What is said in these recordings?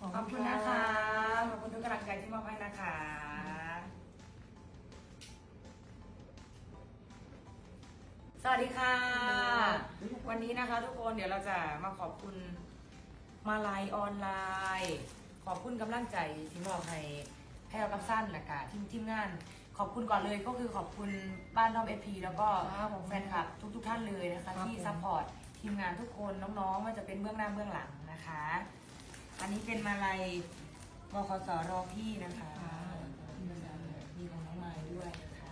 ขอบคุณนะคะ ขอบคุณทุกกำลังใจที่มอบให้นะคะ สวัสดีค่ะ วันนี้นะคะทุกคนเดี๋ยวเราจะมาขอบคุณมาลัยออนไลน์ ขอบคุณกำลังใจที่มอบให้แพรวกับสั้นและค่ะทีมงาน ขอบคุณก่อนเลยก็คือขอบคุณบ้านทอมเอพีแล้วก็แฟนคลับทุกท่านเลยนะคะที่ซัพพอร์ตทีมงานทุกคนน้องๆว่าจะเป็นเบื้องหน้าเบื้องหลังนะคะ อันนี้เป็นมาลัยบคสรอพี่นะคะมีของน้องไม้ด้วยนะคะ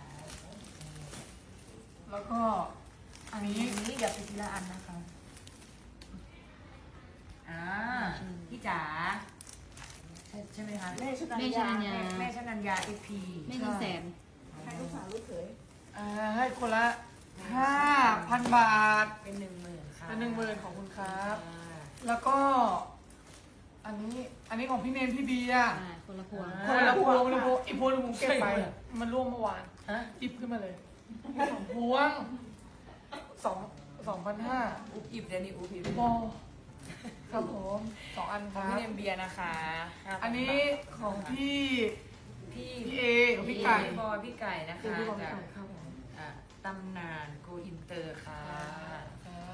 แล้วก็อันนี้เดี๋ยวไปทีละอันนะคะพี่จ๋าใช่ไหมคะแม่ชนัญญาแม่ชนัญญาเอพีไม่เงินแสนให้ลูกสาวลูกเขยให้คนละ 5,000 บาทเป็น10,000ค่ะเป็น10,000ของคุณครับ แล้วก็ อันนี้ของพี่เนมพี่เบียร์คนละพวงคนละพวงอีกพวงหนึงผมเก็บไป มันร่วมเมื่อวานฮะหยิบขึ้นมาเลย2 พวง2,500 อุบอิบเดี๋ยวนี้อุบอิบโมครับผม2 อันคของรับพี่เนมเบียร์นะคะอันนี้ของพี่พี่เอของพี่ไก่บอยพี่ไก่นะคะคือพี่บอลจากไก่ครับผมตำนานโกอินเตอร์ค่ะครับ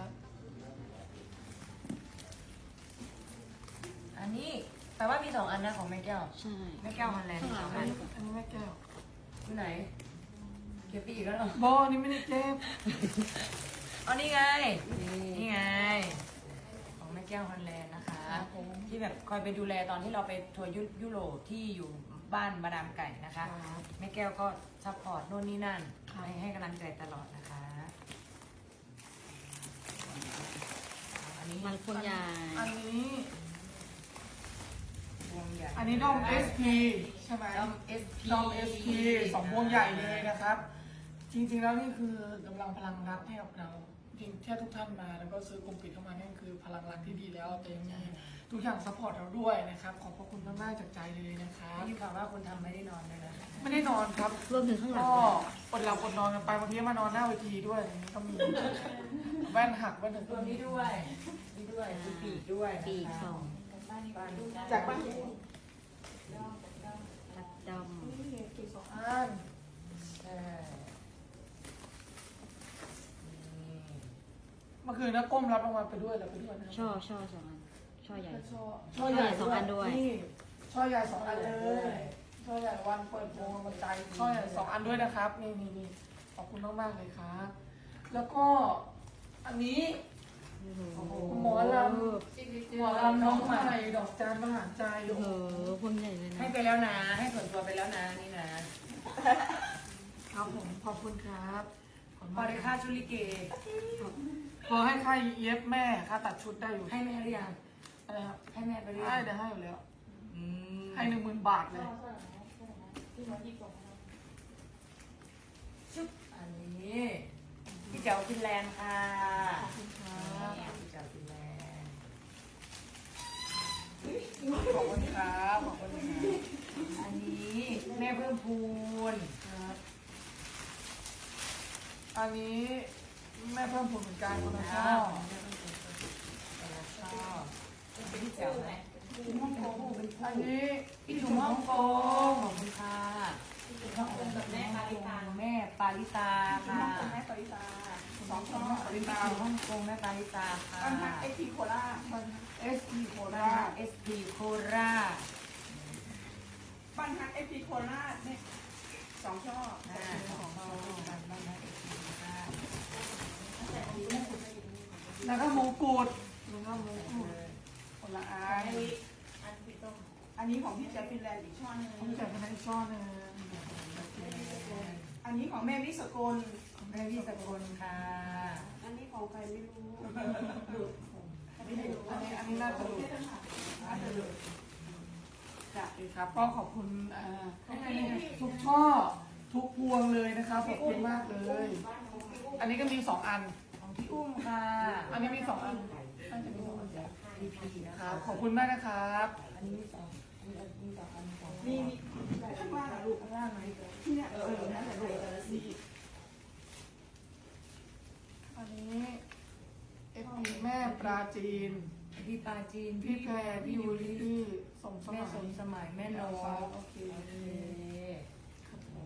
อันนี้แต่ว่ามี2 อันนะของแม่แก้วใช่แม่แก้วฮอลแลนด์มี2 อันอันนี้แม่แก้วที่ไหนเก็บไปอีกแล้วเหรอบอนี่ไม่ได้เก็บอ๋อนี่ไง นี่ไง ของแม่แก้วฮอลแลนด์นะคะ ที่แบบคอยไปดูแลตอนที่เราไปทัวร์ยุโรปที่อยู่บ้านมาดามไก่นะคะ แม่แก้วก็ซัพพอร์ตโน่นนี่นั่นให้กำลังใจตลอดนะคะ อันนี้มันพวงใหญ่อันนี้วงใหญ่อันนี้ด้อม SP ใช่ไหมด้อม SP ด้อม SP 2 พวงใหญ่เลยนะครับ จริงๆแล้วนี่คือกำลังพลังรักให้กับเรา จริงแค่ทุกท่านมาแล้วก็ซื้อกลุ่มปิดเข้ามานี่คือพลังรักที่ดีแล้วแต่ยังมีทุกอย่างซัพพอร์ตเราด้วยนะครับ ขอบพระคุณมากๆจากใจเลยนะครับได้ยินข่าวว่าคุณทำไม่ได้นอนเลยนะไม่ได้นอนครับรวมถึงข้างหลังก็อดหลับอดนอนกันไปบางทีมานอนหน้าเวทีด้วยอย่างนี้ก็มีแว่นหักแว่นถึงตัวนี้ด้วยนี่ด้วยมีปีกด้วยนะคะปีกสองจากบ้านใหญ่ตัดดนี่กี่อันใช่นี่เมื่อคืนนะก้มรับรางวัลไปด้วยแล้วไปด้วยนะำช่อ2 อัน ช่อใหญ่ช่อใหญ่สองอันด้วยนี่ช่อใหญ่2 อันเลยช่อใหญ่วันเปิดโปงวันใจช่อใหญ่2 อันด้วยนะครับนี่ขอบคุณมากๆเลยครับ แล้วก็อันนี้หมอลำน้องใหม่ดอกจานมหาใจโอ้โหพวงใหญ่เลยนะให้ไปแล้วนะ ให้ส่วนตัวไปแล้วนะนี่นะครับผมขอบคุณครับขอบพคุอณได้มากค่าชุลิเกพอให้ค่าเย็บแม่ค่าตัดชุดได้อยู่ให้แม่หรือยังอะไรครับให้แม่ไปหรือให้ยังเดี๋ยวให้อยู่แล้วอืมให้10,000 บาทเลยชุดอันนี้พี่เจ้าฟินแลนด์ค่ะขอบคุณครับพี่เจ้าฟินแลนด์ขอบคุณครับขอบคุณครับอันนี้แม่เพิ่มพูนครับ อันนี้แม่เพิ่มผลเหมือนกันคนละช่อแต่ละชอบเป็นพี่เจ้าไหมอันนี้พี่ถุงฮ่องกงขอบคุณค่ะแม่ปาริตาแม่ปาริตาค่ะแม่ปริตา2 ช่อพี่ถุงฮ่องกงแม่ปาริตาค่ะบ้านพักไอทีโคราช SP โคราราช SP โคราชบ้านพักไอทีโคราชเนี่ย2 ช่อของเรากันบ้างนะ SP โคราชแล้วก็มงกุฎแล้วก็มงกุฎคนละอันอันนี้ของพี่แจ๊ฟินแลนด์อีกช่อนึงผมแต่งให้ช่อหนึงอันนี้ของแม่วิสกลแม่พี่สกลค่ะอันนี้ของใครไม่รู้อันนี้น่าจะหลุดครับก็ขอบคุณทุกช่อทุกพวงเลยนะครับขอบคุณมากเลย อันนี้ก็มี2 อันของพี่อุ้มค่ะอันนี้มี2 อันน่าจะมี2 อันพีพีนะครัคะบขอบคุณมากนะครับอันนี้มี2มี2อัน2 มีข้างล่างลูกข้างล่างไหมที่เนี่ยนั่นแหละลูกนี่อันนี้FP แม่ปลาจีนพี่ปาจีนพี่แพรพี่ยูริพี่สมสแม่มัยสมสมัยแม่นกโอเคโอเคครับผม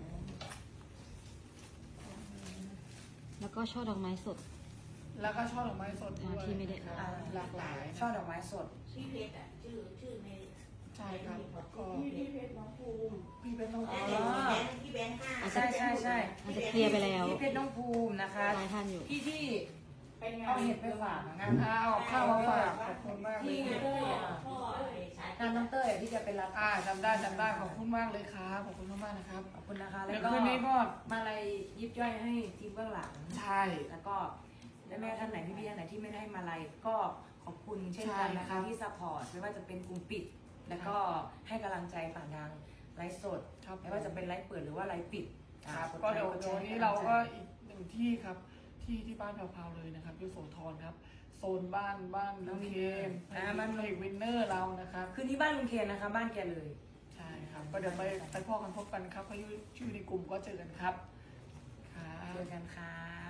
แล้วก็ช่อดอกไม้สดแล้วก็ช่อดอกไม้สดด้วยที่ไม่ได้ครับอ่าหลากหลายช่อดอกไม้สดชื่อเพชรอ่ะชื่อในใช่ครับก็พี่เพชรน้องภูมิพี่เป็นต้องอ๋อที่แบงค์ห้าใช่ใช่ใช่อาจจะเคลียร์ไปแล้วพี่เพชรน้องภูมินะคะหลายท่านอยู่พี่ที่เป็นไงเอาเห็ดไปฝากงานเอาข้าวมาฝากขอบคุณมากเลยที่พ่อพ่อสายงานน้องเต้ยที่จะไปรับจำได้ขอบคุณมากเลยครับขอบคุณมากๆนะครับขอบคุณนะคะเดี๋แล้ยววก็คืนนี้ก็มาอะไรยิบย่อยให้ทีมเบื้องหลังใช่แล้วก็แม่ท่านไหนพี่ท่านไหนที่ไม่ได้มาอะไรก็ขอบคุณเช่นกันนะคะที่ซัพพอร์ตไม่ว่าจะเป็นกลุ่มปิด แล้วก็ให้กำลังใจผ่านทางไลฟ์สดครับไม่ว่าจะเป็นไลฟ์เปิดหรือว่าไลฟ์ปิดครับกก็เดี๋ยวไลค์เดี๋ยวแชวันนี้เราก็อีกหนึ่งที่ครับที่บ้านแพรวๆเลยนะครับที่โสธรครับโซนบ้านน้องเคนบ้านเพลงวินเนอร์เรานะครับคืนนี้บ้านลุงเคนนะคะ บ้านแกเลยใช่ครับก็เดี๋ยวไปพ่อกันพบกันครับเขาอยู่ในกลุ่มก็เจอกันครับครับเจอกันครับ